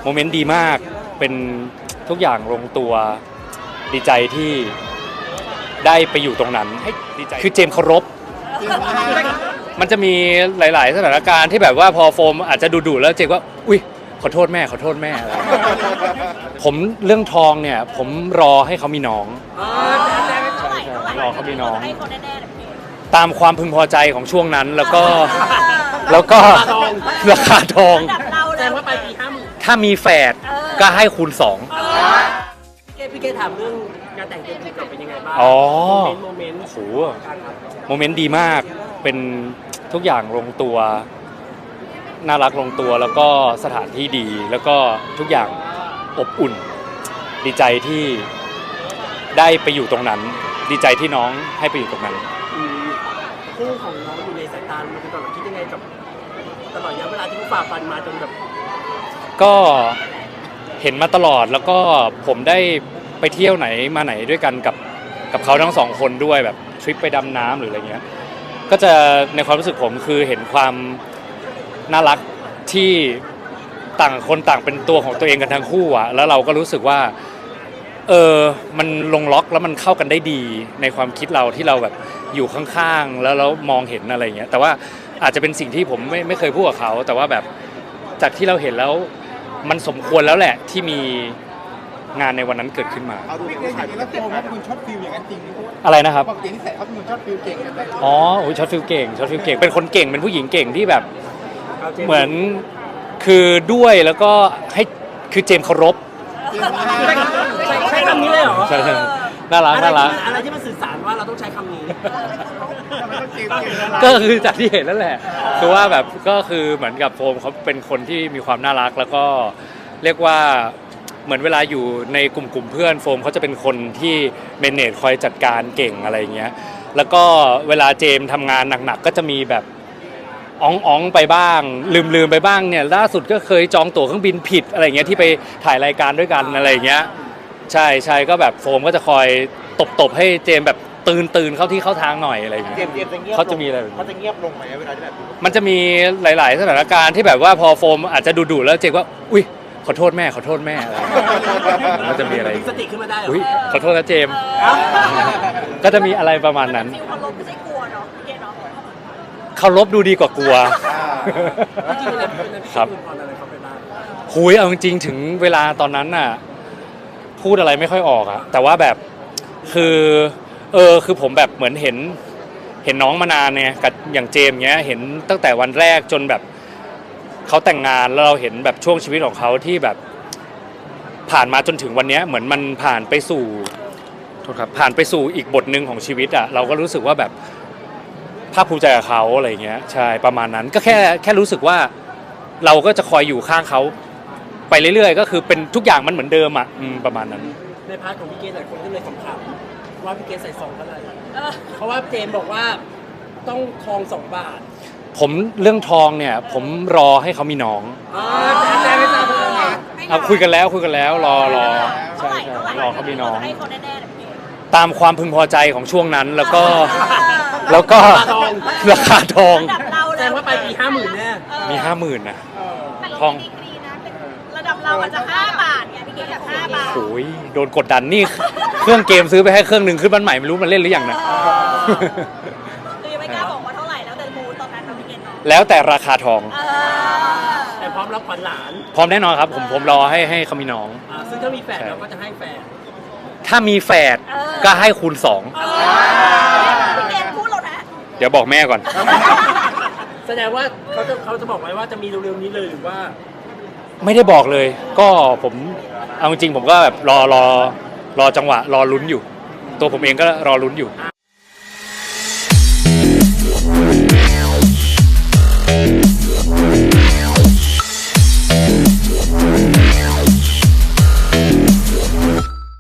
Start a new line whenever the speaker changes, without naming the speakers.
โมเมนต์ดีมากเป็นทุกอย่างลงตัวดีใจที่ได้ไปอยู่ตรงนั้นดีใจคือเจมส์เคารพมันจะมีหลายๆสถานการณ์ที่แบบว่าพอโฟมอาจจะดุๆแล้วเจมส์ว่าอุ้ยขอโทษแม่ขอโทษแม่อะไรผมเรื่องทองเนี่ยผมรอให้เขามีน้องรอเขามีน้องตามความพึงพอใจของช่วงนั้นแล้วก็ราคาทอง
แสดงว่าไปปี50,000
ถ้ามีแฝดก็ให้คูณ2
พี่เกถามเรื่องงานแต่งเจมส์กับเป็นยังไงบ้างโมเมนต์
โอ้โหโมเมนต์ดีมากเป็นทุกอย่างลงตัวน่ารักลงตัวแล้วก็สถานที่ดีแล้วก็ทุกอย่างอบอุ่นดีใจที่ได้ไปอยู่ตรงนั้นดีใจที่น้องให้ไปอยู่ตรงนั้น
คู่ของน้องอยู่ในสายตามันเป็นตอนหลังคิดยังไงกับตลอดระยะเวลาที่เขาฝ่าฟันมาจนแบบ
ก็เห็นมาตลอดแล้วก็ผมได้ไปเที่ยวไหนมาไหนด้วยกันกับเขาทั้งสองคนด้วยแบบทริปไปดำน้ำหรืออะไรเงี้ยก็จะในความรู้สึกผมคือเห็นความน่ารักที่ต่างคนต่างเป็นตัวของตัวเองกันทั้งคู่อ่ะแล้วเราก็รู้สึกว่ามันลงล็อกแล้วมันเข้ากันได้ดีในความคิดเราที่เราแบบอยู่ข้างๆแล้วเรามองเห็นอะไรเงี้ยแต่ว่าอาจจะเป็นสิ่งที่ผมไม่เคยพูดกับเขาแต่ว่าแบบจากที่เราเห็นแล้วมันสมควรแล้วแหละที่มีงานในวันนั้นเกิดขึ้นมา
เอาดูพี่เกย์อย่างนี้แล้วโฟมเขาเป็นคนช็อตฟิลอย่างนั้นจริง
อะไรนะครับ
บอกอย่างนี้ใส่เขาเป็นคนช็อตฟิลเก่งกันเลย
อ๋อช็อตฟิลเก่งเป็นคนเก่งเป็นผู้หญิงเก่งที่แบบเหมือนคือด้วยแล้วก็ให้คือเจมส์เคารพ
ใช้คำนี้เลยเหรอ
ใช่น่ารัก
อะไรที่มันสื่อสารว่าเราต้องใช้คำนี้
ก็คือจากที่เห็นนั่นแหละคือว่าแบบก็คือเหมือนกับโฟมเขาเป็นคนที่มีความน่ารักแล้วก็เรียกว่าเหมือนเวลาอยู่ในกลุ่มเพื่อนโฟมเขาจะเป็นคนที่เมเนจคอยจัดการเก่งอะไรเงี้ยแล้วก็เวลาเจมทำงานหนักๆก็จะมีแบบอ๋องไปบ้างลืมไปบ้างเนี่ยล่าสุดก็เคยจองตั๋วเครื่องบินผิดอะไรเงี้ยที่ไปถ่ายรายการด้วยกันอะไรเงี้ยใช่ก็แบบโฟมก็จะคอยตบให้เจมแบบตื่นเข้าที่เข้าทางหน่อยอะไรอย่างเงี้ยเขาจะมีอะไร
เขาจะเงียบลงไหมเวลาที่แบบ
มันจะมีหลายๆสถานการณ์ที่แบบว่าพอโฟมอาจจะดุๆแล้วเจมว่าอุ้ยขอโทษแม่อะไรมันจะมีอะไร
สติขึ้นมาได้
อุ้ยขอโทษนะเจมก็จะมีอะไรประมาณนั้น
เคารพไม่ใช่กลัวเนาะเกเนาะ
เคารพดูดีกว่ากลัวครับหุยเอาจริงๆถึงเวลาตอนนั้นน่ะพูดอะไรไม่ค่อยออกอะแต่ว่าแบบคือผมแบบเหมือนเห็นน้องมานานเนี่ยกับอย่างเจมเงี้ยเห็นตั้งแต่วันแรกจนแบบเขาแต่งงานแล้วเราเห็นแบบช่วงชีวิตของเขาที่แบบผ่านมาจนถึงวันนี้เหมือนมันผ่านไปสู่อีกบทหนึ่งของชีวิตอะเราก็รู้สึกว่าแบบภาคภูมิใจกับเขาอะไรเงี้ยใช่ประมาณนั้นก็แค่รู้สึกว่าเราก็จะคอยอยู่ข้างเขาไปเรื่อยๆก็คือเป็นทุกอย่างมันเหมือนเดิมอะประมาณนั้น
ในพาร์ทของพี่เกศหลายคนก็เลยถามว่าพี่เกศใส่ซองเท่าไหร่เพราะว่าเจมบอกว่าต้องทอง2 บาท
ผมเรื่องทองเนี่ยผมรอให้เขามีน้อง
แต่ไม่ทราบ
เอาคุยกันแล้วรอใช่รอเขามีน้องตามความพึงพอใจของช่วงนั้นแล้วก็ราคาทอง
แสดงว่าไปปี50,000แน่
มี50,000นะทอง
ระดับเราอาจจะ5 บาทไงพี่เกศอยาก5 บาท
โอ้ยโดนกดดันนี่เครื่องเกมซื้อไปให้เครื่องนึงขึ้นบ้านใหม่ไม่รู้มันเล่นหรือยังนะ
คือไม่กล้าบอกว่าเท่าไหร่แล้วแต่มูตอนนั้นพี่เกศเนาะ
แล้วแต่ราคาทอง
แต่พร้อมรับขวัญหลาน
พร้อมแน่นอนครับผมรอให้เขามีน้อง
ซึ่งถ้ามีแฝดเราก็จะให้แฝด
ถ้ามีแฝดก็ให้คูณ2
พี่เกศพูดเรานะ
เดี๋ยวบอกแม่ก่อน
แสดงว่าเขาจะบอกไว้ว่าจะมีเร็วๆนี้เลยหรือว่า
ไม่ได้บอกเลยก็ผมเอาจริงผมก็แบบรอจังหวะรอลุ้นอยู่ตัวผมเองก็รอลุ้นอยู่